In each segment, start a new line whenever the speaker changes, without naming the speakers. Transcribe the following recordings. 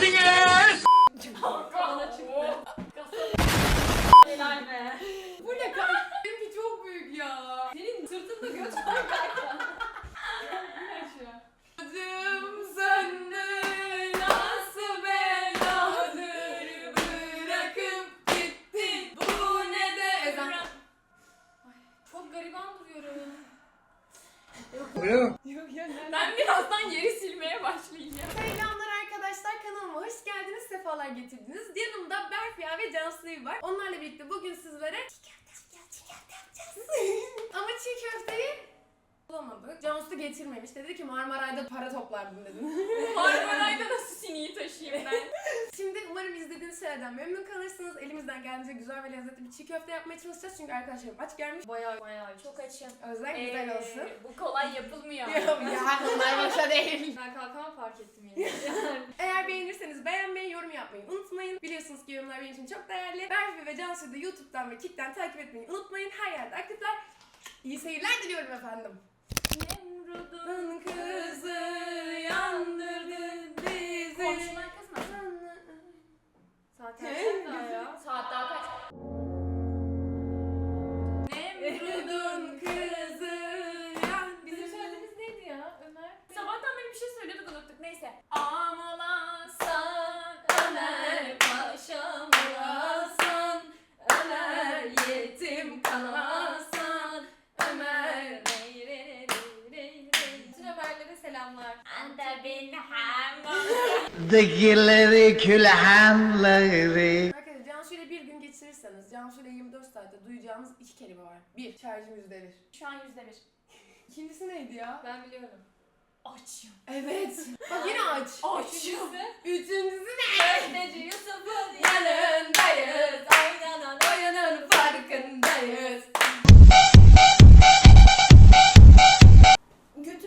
emredersiniz.
Bana çıktı. Helal be.
Bu ne kanka? Benimki çok büyük ya.
Senin sırtında göt var kanka.
Adım söndü nasıl beladır bırakıp gittin bu ne de ezan.
Ay, çok gariban duruyorum.
Yok ya
Ben birazdan yeri silmeye başlayacağım.
Selamlar arkadaşlar, kanalıma hoş geldiniz, sefalar getirdiniz. Yanımda Berfiya ve Cansu'yu var. Onlarla birlikte bugün sizlere çiğ köfte yapacağız. Ama çiğ köfteyi bulamadık. Cansu getirmemiş. Dedi ki Marmaray'da para toplardım dedi.
Marmaray'da nasıl sineği taşıyayım ben?
Şimdi umarım izlediğiniz şeylerden memnun kalırsınız. Elimizden geldiğince güzel ve lezzetli bir çiğ köfte yapmaya çalışacağız. Çünkü arkadaşlarım aç gelmiş.
Bayağı çok açım.
Özlem güzel olsun.
Bu kolay yapılmıyor.
Ya bunlar boşa değil.
Ben kalkama fark ettim yine.
Eğer beğenirseniz beğenmeyi, yorum yapmayı unutmayın. Biliyorsunuz ki yorumlar benim için çok değerli. Berfi ve Cansu'yu da YouTube'dan ve Kick'ten takip etmeyi unutmayın. Her yerde aktifler. İyi seyirler diliyorum efendim.
Nemrud'un
Kızı yandırdı bizi.
komşular kızmasın. Saat kaç daha ya? Saat daha kaç?
Nemrud'un kızı yandırdı.
Bizim söylediğimiz neydi ya Ömer? Sabahtan beri bir şey söylüyorduk unuttuk. Neyse. Ağlasan Ömer paşam olasın. Ömer yetim kalasan. Ömer bütün Ömer'lere selamlar. Anta bin hamam.
Dikileri külhanları.
Arkadaşlar Cansu ile bir gün geçirirseniz Cansu ile 24 saatte duyacağınız iki kelime var. Bir, şarjım %1.
Şu an %1.
İkincisi neydi ya?
Ben biliyorum. Açım.
Evet. Bak yine aç.
Açım.
Üçüncüsü ne?
Köfteci Yusuf'un
Yanındayız.
Oynanan
Oyunun farkındayız.
Götüm.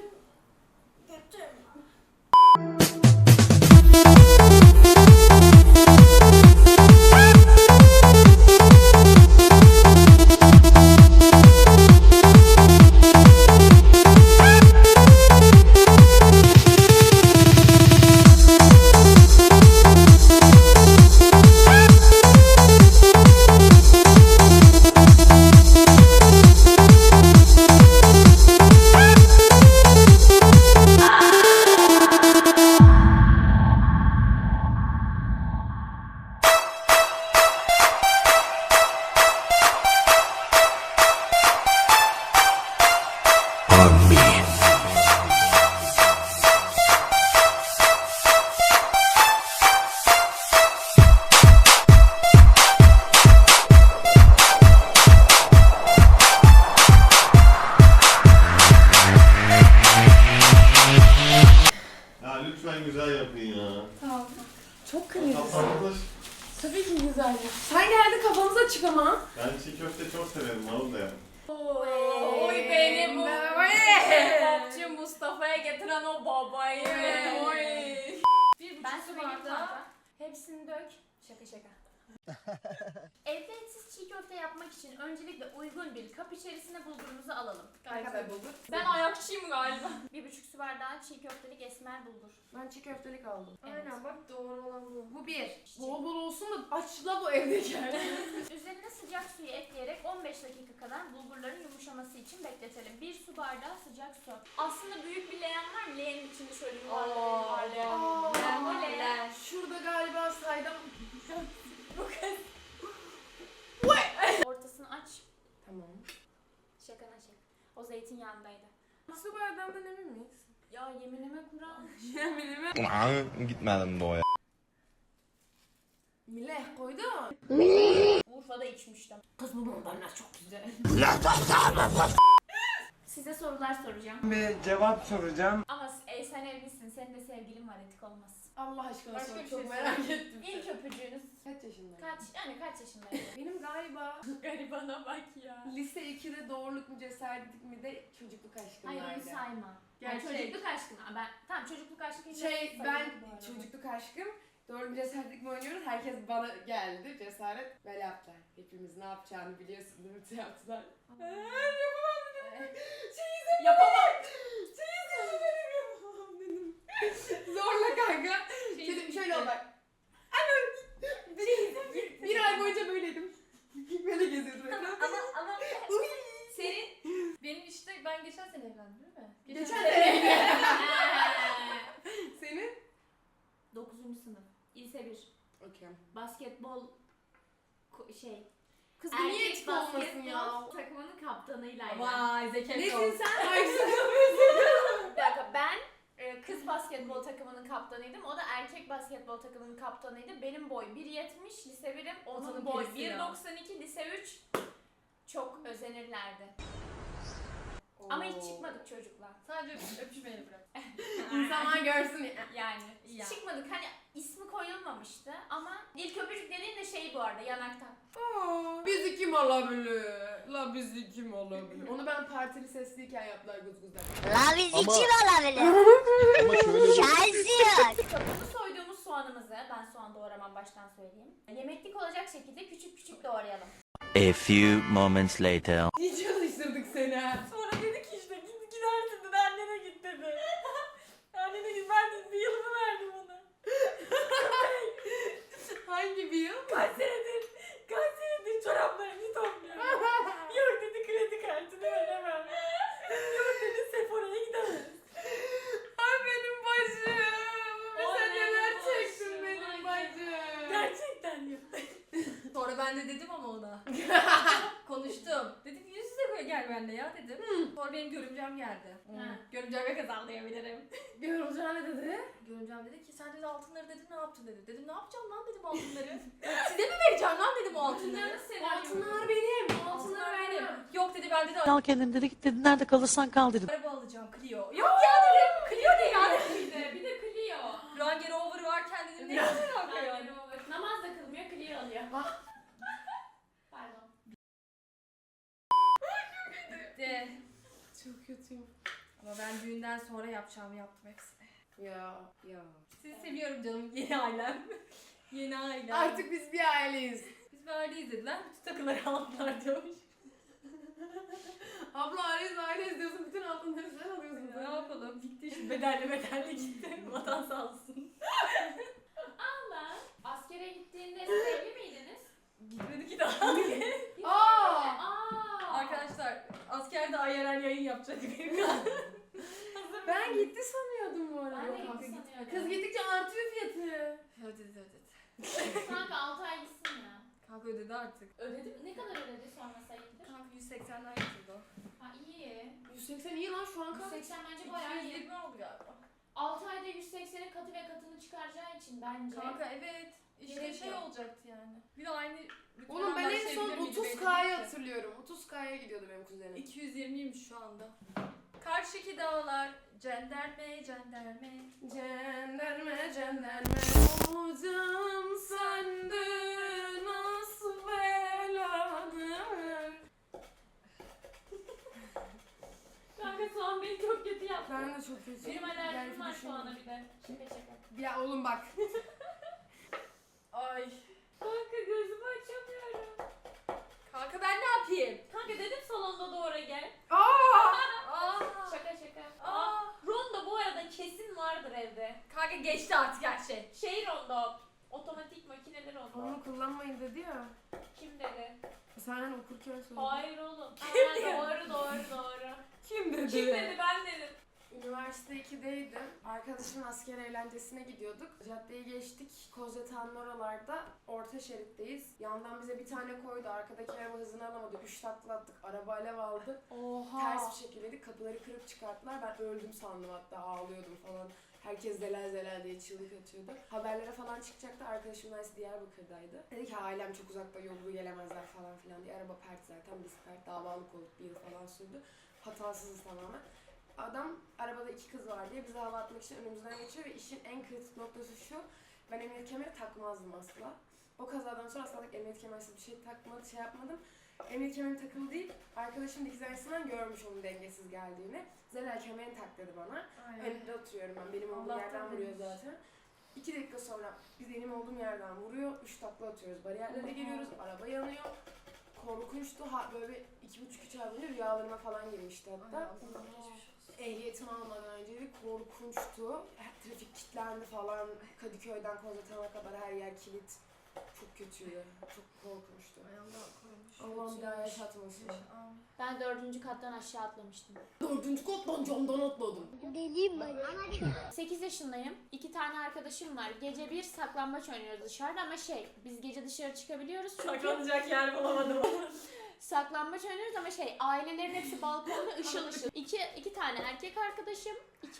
Ya lütfen güzel yapın ya.
Tamam. Çok kırmızı.
Kapatılır.
Tabii ki güzel. Sen geldi kafanız açık ama.
Ben çiğ köfte çok severim, marul da yapın.
Oy beni bu popçu Mustafa'ya getiren o babayı. Oy. Ben su bardağı. Hepsini dök. Şaka. Evde etsiz çiğ köfte yapmak için öncelikle uygun bir kap içerisine bulgurumuzu alalım.
Arkadaşlar bulgur.
Ben ayakçıyım galiba. 1,5 su bardağı çiğ köftelik esmer bulgur.
Ben çiğ köftelik aldım.
Evet.
Aynen bak doğru olan bu. Bu bir. Bol bol olsun da açla bu evdekiler.
Üzerine sıcak suyu ekleyerek 15 dakika kadar bulgurların yumuşaması için bekletelim. 1 su bardağı sıcak su. Aslında büyük bir leğen var mı? Leğenin içinde şöyle yuvarlayalım. Bu leğen.
Şurada galiba saydam.
Bu kız. Ortasını aç.
Tamam.
Şakana çek. O zeytinyağındaydı.
Su bardağından emin miyiz?
Ya yeminime Kur'an.
Yeminime.
Gitmedim doğuya.
Mileh koydu.
Urfa'da içmiştim.
Kız bu bunlar çok güzel.
Size sorular soracağım.
Bir cevap soracağım.
Ama sen evlisin. Senin de sevgilin var. Etik olmaz.
Allah aşkına
Başka
sor.
bir
Çok
şey
merak ettim.
İlk öpücüğünüz
Kaç yaşındayım?
kaç yaşındaydın?
Benim galiba
Garibana bak ya.
lise 2'de doğruluk mu cesaretlik mi de çocukluk aşkım
Hayır onu
vardı.
sayma. Yani
Gerçek.
çocukluk aşkına. Tamam çocukluk aşkı hiç
Ben
sayılır bu arada.
çocukluk aşkım doğru bir cesaretlik mi oynuyoruz? Herkes bana geldi cesaret böyle yaptılar. Hepimiz ne yapacağını biliyorsun değil mi? Yaptılar. Yapamam dedim.
Yapamam.
Yapamam dedim. Zorla kanka. Dedim şöyle ol bak.
sene evlendin değil mi?
Geçen sene. Senin?
9. sınıf. Lise 1.
Okey.
Basketbol
Kız bu niye eksik olmasın ya?
takımının kaptanıylaydı.
Vay Zeker
Nesin sen?
Bir dakika ben kız basketbol takımının kaptanıydım. O da erkek basketbol takımının kaptanıydı. Benim boy 1.70 lise 1'im. Onun
Otanın
boy
pirisi ya.
1.92 lise 3. Çok özenirlerdi. Ama hiç çıkmadık çocuklar.
Sadece öpüşmeyi bırak.
İnsanlar görsün ya.
Yani
Ya.
çıkmadık. Hani ismi koyulmamıştı ama ilk öpücük dediğin de şey bu arada yanaktan.
Bizi kim alabilir? La bizi kim alabilir? Onu ben partili sesliyken yaptılar guzguzlar.
La biz
Ama-
içim olabilir.
Ama şöyle bir...
Şansı
Kapını soyduğumuz soğanımızı, ben soğan doğramam baştan söyleyeyim. Yemeklik olacak şekilde küçük küçük doğrayalım.
A few moments later.
İyi çalıştırdık seni ha.
Sonra dedi ki işte gidersin dedi, annene git dedi. Annene git, ben de bir yılımı verdim ona.
Hangi bir yıl?
Kaç senedir çoraplarını topluyorum. Yok dedi, kredi kartını veremem. Yok dedi, Sephora'ya gidemez.
Ay benim bacım.
Ay
Sen
benim
neler
bacım,
çektin benim
ay
bacım.
Gerçekten yok.
Sonra ben de dedim ama ona. Konuştum. Dedim yüz yüze gel benimle ya dedim. Sonra benim görümcem geldi.
Ha.
Görümceme kazanlayabilirim.
Görümcem ne dedi?
Görümcem dedi ki sen dedi altınları dedim ne yaptın dedi. Dedim ne yapacağım lan dedim altınları. Size mi vereceğim lan dedim o altınları.
Altınlar benim.
Altınlar benim. Yok dedi ben dedi
Al kendin dedi git dedi nerede kalırsan kal dedi.
araba alacağım Clio. Yok ya dedim Clio ne ya dedim.
Bir de Clio.
Range Rover varken dedim ne alaka yani.
Namaz da kılmıyor, Clio alıyor. Pardon.
De.
Çok kötüyüm.
Ama ben düğünden sonra yapacağımı yaptım hepsini.
Ya.
Sizi seviyorum canım yeni ailem. Yeni ailem.
Artık biz bir aileyiz.
Biz bir aileyiz dediler. Bütün takıları aldılar diyormuş.
Abla aileyiz diyorsun. Bütün altınları sen alıyorsun.
Ne yapalım? Gitti işte bedelli gitti. Vatan sağ olsun.
Allah. Askere gittiğinde siz evli miydiniz?
Gitmedi ki daha.
Aa!
Arkadaşlar askerde IRL yayın yapacak bir
Ben gitti sanıyordum bu arada.
Ben de
Yok,
gitti
kanka,
sanıyordum.
Kız gittikçe artıyor fiyatı.
Ödedi.
Kanka 6 ay gitsin ya.
Kanka ödedi artık.
Ödedi mi? Ne kadar ödedi sonra sayılır?
Kanka 180'den getirdi o.
Ha iyi.
180 iyi lan şu an kaç?
180 bence bayağı iyi.
220 oldu galiba.
6 ayda 180'in katı ve katını çıkaracağı için bence.
Kanka evet. İşte
Gerek
şey
yok.
olacaktı yani. Bir de aynı... bütün
Oğlum ben
adamlar
en
şey
son
bilir miydi,
30K'yı
belli değil ki.
hatırlıyorum. 30K'ya gidiyordu benim kuzenim.
220'ymiş şu anda. Karşıki dağlar cenderme.
Cenderme olacağım sende nasıl beladır.
Kanka soğan beni çok kötü yaptı.
Ben de çok kötü.
Benim alerjim var
Belki
soğana bir de. Şaka.
Ya oğlum bak.
Ay.
Kanka gözümü açamıyorum.
Kanka ben ne yapayım?
Kanka dedim salonda doğru gel.
Aa.
Şaka.
Aa.
Rondo bu arada kesin vardır evde.
Kanka geçti artık her şey.
Şey rondo. Otomatik makineli rondo.
Onu kullanmayın dedi ya.
Kim dedi?
Sen hani okurken söyledin.
Hayır oğlum.
Kim
Aa, doğru.
Kim dedi?
Kim dedi, ben dedim.
Üniversite 2'deydim. Arkadaşımın asker eğlencesine gidiyorduk. Caddeyi geçtik. Kozyatan'ın oralarda. Orta şeritteyiz. Yandan bize bir tane koydu. Arkadaki araba hızını alamadı. 3 takla attık. Araba alev aldı.
Oha.
Ters bir şekildeydik. Kapıları kırıp çıkarttılar. Ben öldüm sandım, hatta ağlıyordum falan. Herkes zelal diye çığlık atıyordu. Haberlere falan çıkacaktı. Arkadaşım da Diyarbakır'daydı. Dedi ki ailem çok uzakta, yolu gelemezler falan filan diye. Araba pert zaten. Biz pert. Davalık olduk. 1 yıl falan sürdü. Hatasızız tamamen. Adam arabada 2 kız var diye bize hava atmak için önümüzden geçiyor ve işin en kritik noktası şu: ben emniyet kemeri takmazdım asla. O kazadan sonra asla emniyet kemersiz bir şey yapmadım. Emniyet kemeri takılı değil, arkadaşım dikiz aynasından görmüş onun dengesiz geldiğini. Zelal kemerini tak dedi bana. Önünde oturuyorum ben, benim olduğum
Allah'tan
yerden vuruyor
demiş.
zaten. 2 dakika sonra biz benim olduğum yerden vuruyor, 3 takla atıyoruz, bariyerlere geliyoruz, araba yanıyor. Korkunçtu, böyle 2,5-3 ay boyunca rüyalarıma falan girmişti hatta. Ehliyetimi almadan önceydi, korkunçtu. Trafik kilitlendi falan, Kadıköy'den Kozyatan'a kadar her yer kilit. Çok kötüydü. Çok korkunçtu.
Ay Allah korumuş.
Allah'ım bir daha yaşatmasın.
Amin.
Ben 4. kattan aşağı atlamıştım.
4. kattan camdan atladım.
8 yaşındayım. 2 tane arkadaşım var. Gece bir saklambaç oynuyoruz dışarıda ama biz gece dışarı çıkabiliyoruz çünkü
Saklanacak yer bulamadım.
saklambaç oynuyoruz ama ailelerin hepsi balkonda ışıl ışıl. İki tane erkek arkadaşım.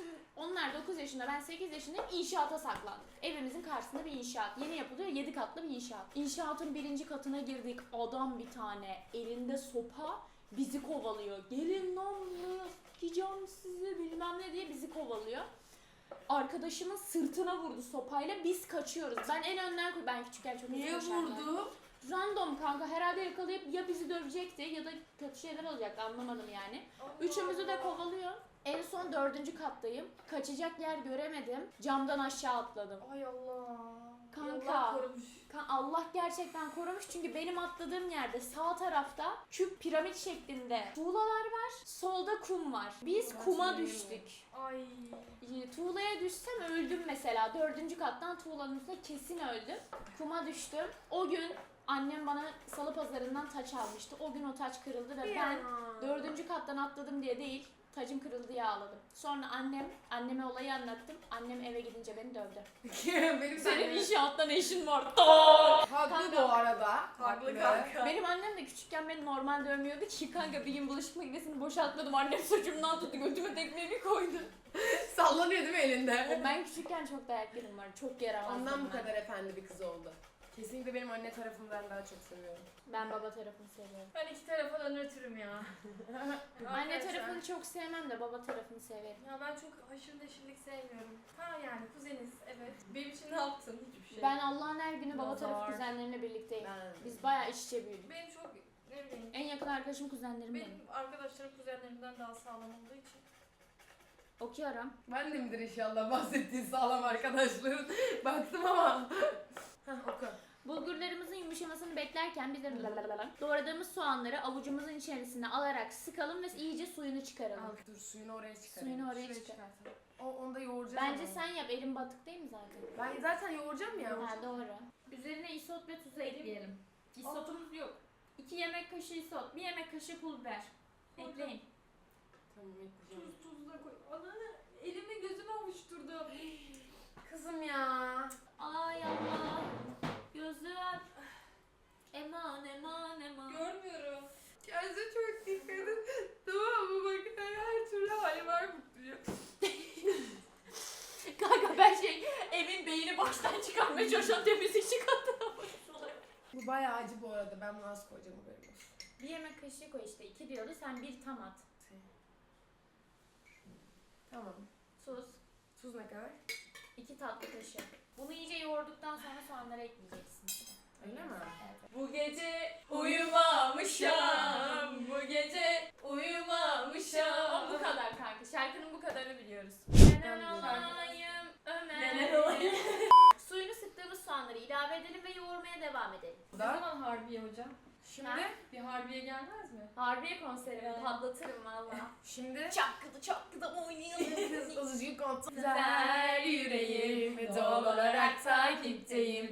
Onlar 9 yaşında, ben 8 yaşındayım. İnşaata saklandık. Evimizin karşısında bir inşaat. Yeni yapılıyor, 7 katlı bir inşaat. İnşaatın 1. katına girdik. Adam bir tane elinde sopa bizi kovalıyor. Gelin lan buraya, sikeceğim sizi bilmem ne diye bizi kovalıyor. Arkadaşımın sırtına vurdu sopayla, biz kaçıyoruz. Ben en önden ben küçükken çok hızlı
Niye
koşardım.
vurdu?
Random kanka, herhalde yakalayıp ya bizi dövecekti ya da kötü şeyler olacaktı, anlamadım yani. Üçümüzü de kovalıyor. En son 4. kattayım. Kaçacak yer göremedim. Camdan aşağı atladım.
Ay Allah.
Kanka.
Allah korumuş.
Allah gerçekten korumuş çünkü benim atladığım yerde sağ tarafta küp piramit şeklinde tuğlalar var. Solda kum var. Biz kuma düştük.
Ay.
Tuğlaya düşsem öldüm mesela. 4. kattan tuğlanın üstüne kesin öldüm. Kuma düştüm. O gün annem bana salı pazarından taç almıştı. O gün o taç kırıldı ve ben 4. kattan atladım diye değil, tacım kırıldı diye ağladım. Sonra anneme olayı anlattım. Annem eve gidince beni dövdü.
Benim
Senin inşaatta ne işin var?
Haklı bu arada.
Haklı kanka.
Benim annem de küçükken beni normal dövmüyordu ki kanka, bir gün bulaşık makinesini boşaltmadım. Annem saçımdan tuttu, götüme tekmeyi bir koydu.
Sallanıyor değil mi elinde?
Ben küçükken çok dayak yedim var. Çok yaramazdım.
Ondan bu
ben.
kadar efendi bir kız oldu. Kesinlikle benim anne tarafımdan daha çok seviyorum.
Ben baba tarafını seviyorum.
Ben iki tarafa da nötrüm ya.
Anne
Arkadaşlar.
tarafını çok sevmem de baba tarafını severim.
Ya ben çok haşır neşirlik sevmiyorum. Ha yani kuzeniz evet. Benim için ne yaptın? Hiçbir şey.
Ben Allah'ın her günü baba
Nazar.
tarafı kuzenlerimle birlikteyim.
Ben...
Biz bayağı iç içe büyüdük.
Benim çok ne bileyim.
En yakın arkadaşım kuzenlerim benim.
Benim arkadaşlarım kuzenlerimden daha sağlam olduğu için.
Okuyorum.
Ben de midir inşallah bahsettiğin sağlam arkadaşların. Baktım ama. Hah oku.
Bulgurlarımızın yumuşamasını beklerken biz de doğradığımız soğanları avucumuzun içerisine alarak sıkalım ve iyice suyunu çıkaralım.
Al dur suyunu oraya çıkar.
Suyunu oraya
Şuraya
çıkar.
çıkartalım. Onu da yoğuracağız
Bence
ama.
sen yap, elin batık değil mi zaten?
Ben zaten yoğuracağım ya.
Ha doğru. Üzerine isot ve tuzu ekleyelim. İsotumuz yok. 2 yemek kaşığı isot, 1 yemek kaşığı pul biber. Ekleyin.
Tamam ekleyeceğim.
Tuz da koy. Ananı elimi gözüme avuşturdu.
Kızım ya.
Ay Allah. Gözüm. Eman eman eman.
Görmüyorum.
Kendinize çok dikkat edin. Tamam mı? Bakın her türlü hali var mutluyum.
Kanka ben evin beyni baştan çıkarmaya çalışan temizlik çıkarttım.
Bu bayağı acı bu arada. Ben bunu az koyacağım haberim olsun.
1 yemek kaşığı koy işte. 2 diyordu, sen 1 tam at.
Tamam.
Tuz.
Tuz ne kadar?
2 tatlı kaşığı. Bunu iyice yoğurduktan sonra soğanları ekleyeceksin.
Öyle mi?
Evet.
Bu gece uyumamışam. Bu gece uyumamışam.
Bu kadar kanka. Şarkının bu kadarını biliyoruz.
Ben
Nenen olayım Ömer.
Nenen olayım.
Suyunu sıktığımız soğanları ilave edelim ve yoğurmaya devam edelim.
Ne zaman Harbiye hocam?
Şimdi?
Ha?
Bir Harbiye gelmez mi?
Harbiye konserimi
Evet.
patlatırım valla.
Şimdi?
Çakkıda oynayalım.
Kız azıcık kontrol.
Güzel yüreğim
ve doğal olarak takipteyim.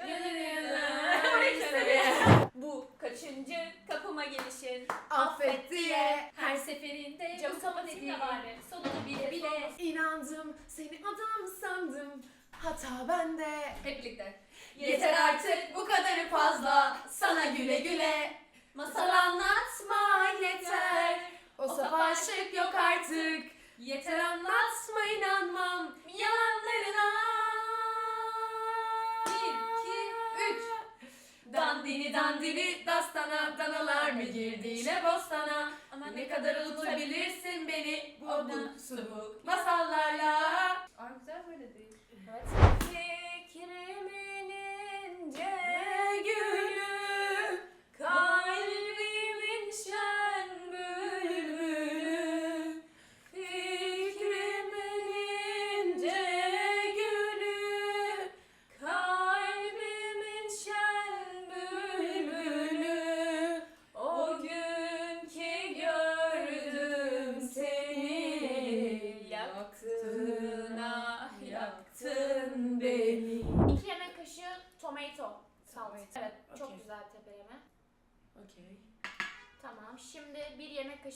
Bu kaçıncı kapıma gelişin?
Affet diye
Her seferinde camı kapatayım da bari. Sonunu bile bile.
inandım, seni adam sandım. Hata bende.
Hep birlikte.
Yeter artık bu kadarı fazla. Sana güle güle. Masal anlatma yeter.
O saf aşık yok artık.
Yeter
Anlatma inanmam.
yalanlarına.
1, 2, 3.
Dandini dandini dastana, danalar mı girdi yine bostana? Ne kadar unutabilirsin beni bu abuk subuk masallarla.
Ay güzel böyle değil.
Evet.
Fikrimin ince gülü, kalbimin şen bülbülü. Fikrimin ince gülü, kalbimin şen bülbülü. O gün ki gördüm seni, yak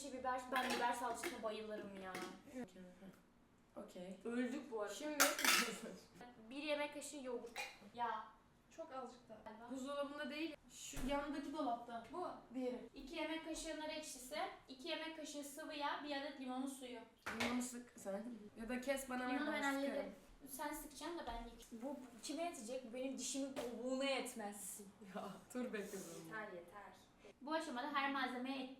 kaşığı biber. Ben biber salçasına bayılırım ya.
Okey.
Öldük bu arada.
Şimdi
1 yemek kaşığı yoğurt. Ya.
Çok azıcık da.
buzdolabında değil, şu yanındaki dolapta.
Bu.
Diğeri.
2 yemek kaşığı nar ekşisi, 2 yemek kaşığı sıvı yağ, 1 adet limonun suyu.
Limonu sık sen. Ya da kes bana ver,
Limonu ben
ben sıkarım.
hallederim. Sen sıkacaksın da ben yiyeyim.
Bu kime yetecek? Bu benim dişimin kabuğuna yetmez.
Ya dur be kızım.
Yeter yeter.
Bu aşamada her malzemeye...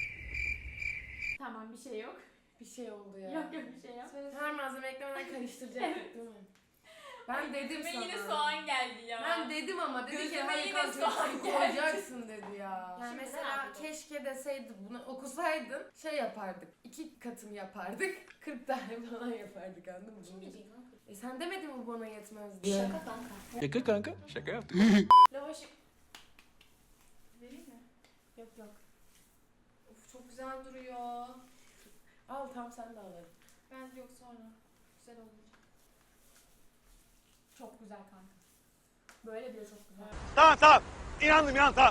Tamam bir şey yok.
Bir şey oldu ya.
Yok bir şey yok.
Her malzeme eklemeden karıştıracaktık değil mi? Ben dedim
Ve
sana.
yine soğan geldi ya.
Ben dedim ama dedi ki
Gözüme
hani
yine
kanka
soğan
hepsini
geldi.
koyacaksın dedi ya. Yani
Şimdi ne
mesela
yapalım?
keşke deseydi bunu okusaydın şey yapardık. 2 katını yapardık. 40 tane falan yapardık anladın mı?
Kim diyecek lan?
Sen demedin mi bana yetmez diye?
Şaka kanka.
Şaka kanka. Şaka yaptım.
Lavaşı... Vereyim mi?
Yok yok.
Of çok güzel duruyor.
Al tam sen de al.
Ben yok sonra. Güzel olacak.
Çok güzel kanka. Böyle bile çok güzel.
Tamam. İnandım tamam.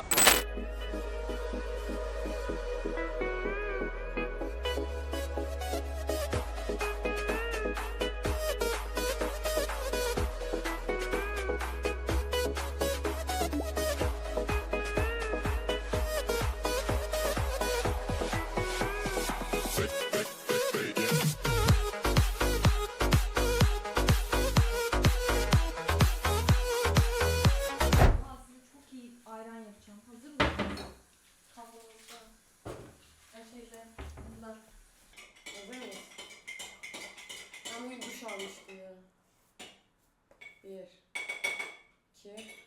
Aslında çok iyi ayran yapacağım. Hazır mısın? Kavanozda. Şeyde. Bunda.
Hazır mıyız? Ben bugün duş almıştım ya. 1 2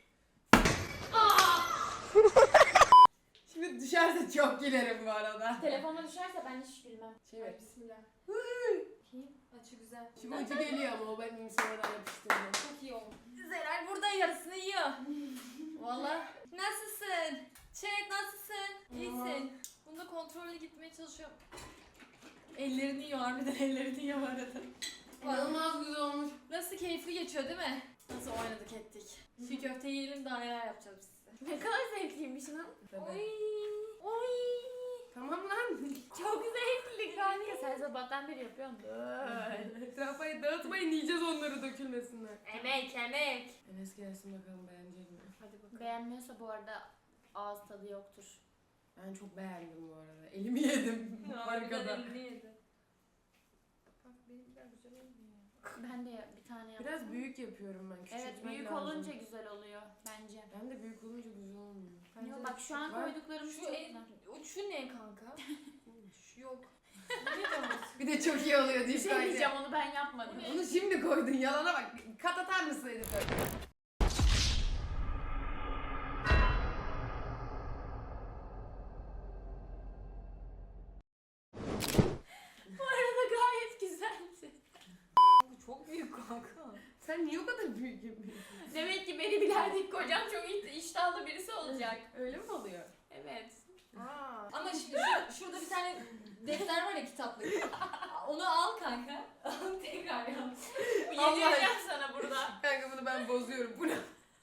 Şimdi düşerse çok gülerim bu arada.
Telefona düşerse ben hiç gülmem.
Çevir.
Bismillah. Açı güzel.
Şimdi ucu geliyor ama o benim sonradan yapıştırdım.
Çok iyi oldu. Zelal burada yarısını yiyor. Valla. Nasılsın? Chat nasılsın? İyisin. Bunda kontrollü gitmeye çalışıyorum. Ellerini yiyor harbiden ellerini yiyor bu arada.
İnanılmaz güzel olmuş.
Nasıl keyifli geçiyor değil mi? Nasıl oynadık ettik. Şu köfteyi yiyelim daha neler yapacağız biz size.
Ne kadar zevkliymiş lan.
Oy. Oy.
Tamam lan.
Çok zevkli kanka. Sen sabahtan beri yapıyorsun.
Etrafa dağıtmayın yiyeceğiz onları dökülmesinler.
Emek.
Enes gelsin bakalım beğenecek mi?
Hadi bakalım.
Beğenmiyorsa bu arada ağız tadı yoktur.
Ben çok beğendim bu arada. Elimi yedim.
Harbiden
Arkada.
elini yedi. Bak benimkiler güzel olmuyor.
Ben de bir tane yaptım.
Biraz büyük yapıyorum ben.
Evet
Küçültmek
büyük
lazım.
olunca güzel oluyor bence.
Ben de büyük olunca güzel olmuyor.
Yok bak şu an
Var.
koyduklarımız
Şu,
çok güzel.
şu ne kanka? Şu yok.
Bir de çok iyi oluyor diye
Bir şey diyeceğim onu ben yapmadım.
Onu şimdi koydun yalana bak. Kat atar mısın editör?
Bu arada gayet güzeldi.
Bu çok büyük kanka.
Sen niye o kadar büyük yapıyorsun?
Demek ki beni bilerdik kocam çok iştahlı birisi olacak.
Öyle mi oluyor?
Evet.
Aa.
Ama şimdi şurada bir tane defter var ya kitaplık. Onu al kanka. Tekrar yap.
Bu
Allah
yedireceğim sana burada.
Kanka bunu ben bozuyorum. Bu ne?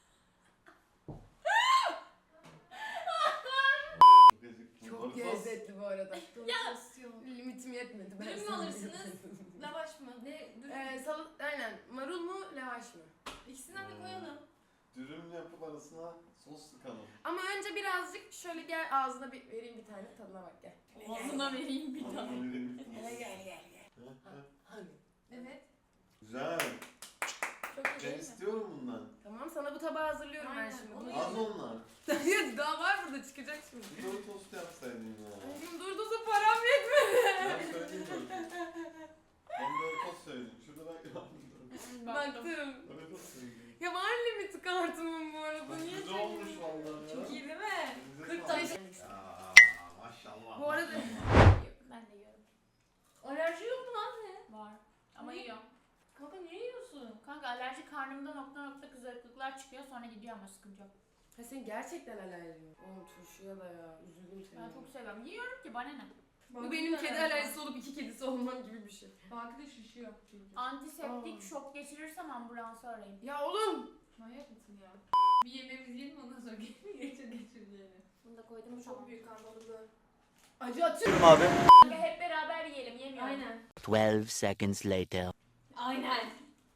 Çok lezzetli bu arada.
Domates
Limitim yetmedi. Ben
Dürüm mü
sana
alırsınız?
yedim.
Lavaş mı? Ne? Dürüm.
Aynen. Marul mu, lavaş mı?
İkisinden de koyalım.
Dürüm yapıp arasına sos sıkalım.
Ama önce birazcık şöyle gel ağzına bir vereyim bir tane tadına bak gel.
Ağzına vereyim bir tane.
Gel. Hadi.
Evet.
Güzel.
Çok iyi
Ben
değil mi?
istiyorum bundan.
Tamam sana bu tabağı hazırlıyorum ben
Aynen,
şimdi.
onu
Bunu
Az onlar.
Hayır daha var burada çıkacak şimdi.
Bir de o tost yapsaydın ya.
Aşkım durdusu param yetmedi.
Ben söyleyeyim mi? Ben de tost söyledim. Şurada ben
Baktım.
Öyle tost söyledim.
Ya var limiti kartımın bu arada. Niye
Güzel olmuş vallahi ya.
Çok iyi değil mi?
Elinize
40
sağlık.
tane.
Ya maşallah.
Bu arada
Ben de yiyorum.
Alerji yok mu lan ne?
Var. Ama
Ne?
yiyorum.
Kanka niye yiyorsun?
Kanka alerji karnımda nokta nokta kızarıklıklar çıkıyor sonra gidiyor ama sıkıntı yok.
ha senin gerçekten alerjin. Oğlum turşuya da ya üzüldüm seni.
Ben çok seviyorum. Yiyorum ki bana ne?
Bu benim kedi alerjisi olup 2 kedisi olmam gibi bir şey.
Banka da şişiyor çünkü.
Antiseptik şok geçirirsem ambulansı arayın.
Ya oğlum.
Manyak mısın ya? Bir yemeğimizi yiyelim ondan sonra geçir geçireceğini.
Bunu da koydum
Bu
mu
çok
tamam.
büyük kanka bunu böyle.
Acı atıyorum.
Abi.
Hep beraber yiyelim, yemiyorum.
Aynen.
12 seconds later.
Aynen.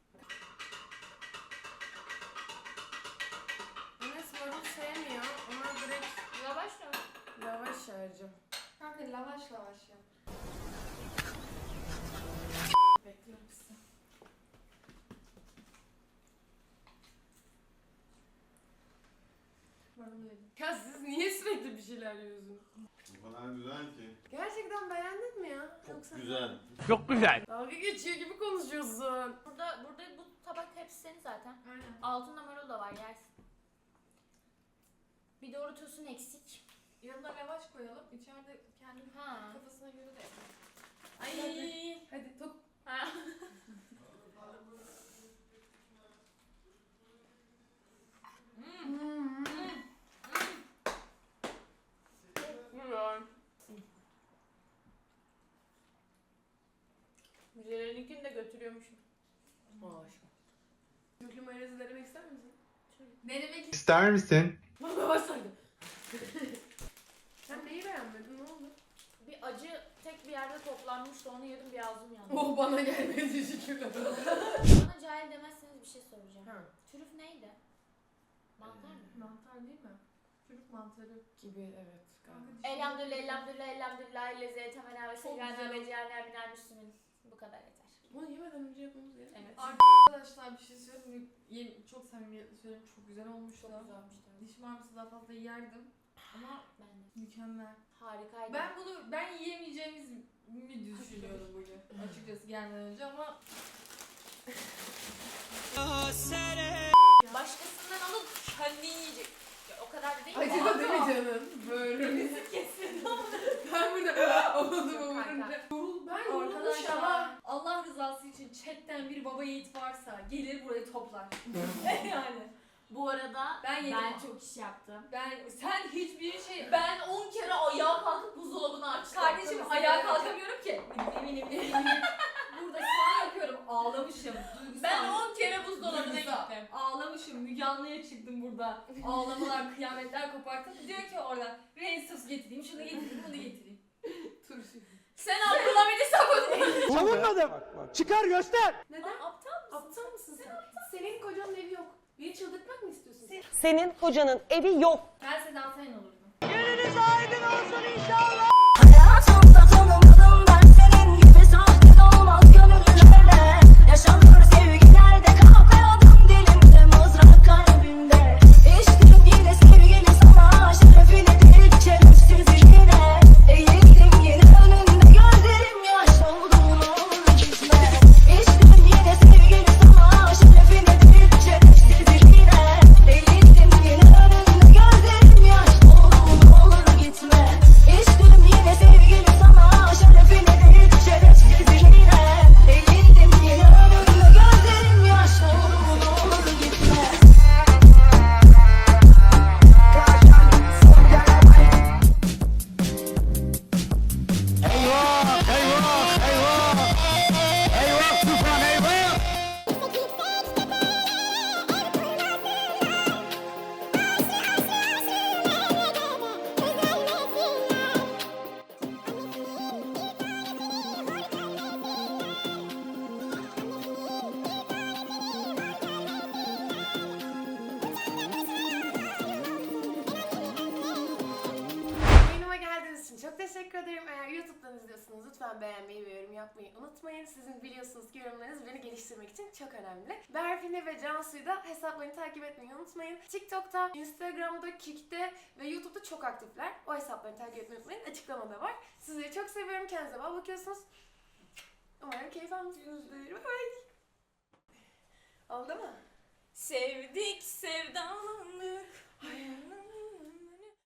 Enes marul sevmiyor. Ona direkt
Lavaş mı?
lavaş harcım. Kanka lavaş ya. Bekliyor musun? Marul yedim. Ya siz niye sürekli bir şeyler yiyorsunuz?
Bu kadar güzel ki.
Gerçekten beğendin mi ya?
Çok güzel.
Çok güzel.
Dalga geçiyor gibi konuşuyorsun.
Burada bu tabak hepsi senin zaten.
Aynen.
Altında marul da var, yersin. Bir doğru tosun eksik.
Yanına lavaş koyalım. İçeride kendi
Ha.
kafasına göre de.
Ay.
Hadi tok.
Ha. Müzelerinkini de götürüyormuşum.
Türklü mayonezi denemek ister misin?
Denemek
İster misin?
Bana başladı. Sen neyi beğenmedin? Ne oldu?
Bir acı tek bir yerde toplanmıştı, onu yedim, bir ağzım yandı.
Oh bana gelmedi şükürler.
Bana cahil demezseniz bir şey soracağım.
Ha.
Trüf neydi? Mantar mı?
Mantar değil mi? Çocuk mantarı gibi evet.
Elhamdülillah, elhamdülillah, elhamdülillah, leze, temena ve
Çok
sevgâna
güzel.
ve cehennem minel müslümin. Bu kadar yeter.
Bunu yemeden önce yapmamız gerekiyor.
Evet.
Arkadaşlar bir şey söyleyeyim mi? Çok samimiyetle söyleyeyim, çok güzel olmuş.
Çok güzelmiş.
Diş marması daha fazla yerdim ama
Ben de.
mükemmel.
Harikaydı.
Ben yiyemeyeceğimizi mi düşünüyordum bugün açıkçası gelmeden önce ama
Başkasından alıp kendi yiyecek. Ya, o kadar da değil.
acıdı değil mi canım? Böyle
kesin.
ben burada oldum
Kanka.
umurumda. Ben yorulmuş
Arkadaşlar
ama.
Allah rızası için chatten bir baba yiğit varsa gelir burayı toplar. Yani.
Bu arada
Ben yedim.
ben çok iş yaptım.
Sen hiçbir şey...
Ben 10 kere ayağa kalkıp buzdolabını açtım.
Kardeşim ayağa kalkamıyorum ki. Eminim. Burada şu an yapıyorum. Ağlamışım. Duygusal.
Ben 10 kere buzdolabına
Duygusal.
gittim.
Ağlamışım. Müge Anlı'ya çıktım burada. Ağlamalar, kıyametler kopartıp diyor ki orada Reissus getireyim, şunu getireyim, bunu getireyim.
Turşu.
Sen Abdülhamid'i savun.
Savunmadım. Çıkar göster.
Neden?
Aptal mısın?
Aptal mısın sen? Senin kocanın evi yok. Beni çıldırtmak mı istiyorsun?
Senin kocanın evi yok.
Ben Sedan Sayan olurdum.
Hayatımda tanımadım ben senin gibi sahte olmaz gönüllerde. Yaşanır sevgilerde kahve adım dilimde mızrak kalbimde. İçtim yine sevgili sana şerefine değil şerefsizliğine. Eğildim yine önünde gözlerim yaş doldu ne olur gitme. İçtim yine sevgili sana şerefine değil şerefsizliğine. Eğildim yine önünde gözlerim yaş doldu ne olur gitme. İçtim yine sevgili sana şerefine değil şerefsizliğine. Eğildim yine önünde gözlerim yaş doldu ne olur gitme.
Eyvah tufan eyvah.
Yayınıma geldiğiniz için çok teşekkür ederim. Eğer YouTube'dan izliyorsanız lütfen beğenmeyi ve yorum yapmayı unutmayın. Sizin biliyorsunuz ki yorumlarınız beni geliştirmek için çok önemli. Berfin'i ve Cansu'yu da hesaplarını takip etmeyi unutmayın. TikTok'ta, Instagram'da, Kik'te ve YouTube'da çok aktifler. O hesaplarını takip etmeyi unutmayın. Açıklamada var. Sizleri çok seviyorum. Kendinize bak bakıyorsunuz. Umarım keyif almışsınızdır. Bye bye. Oldu mu?
Sevdik sevdan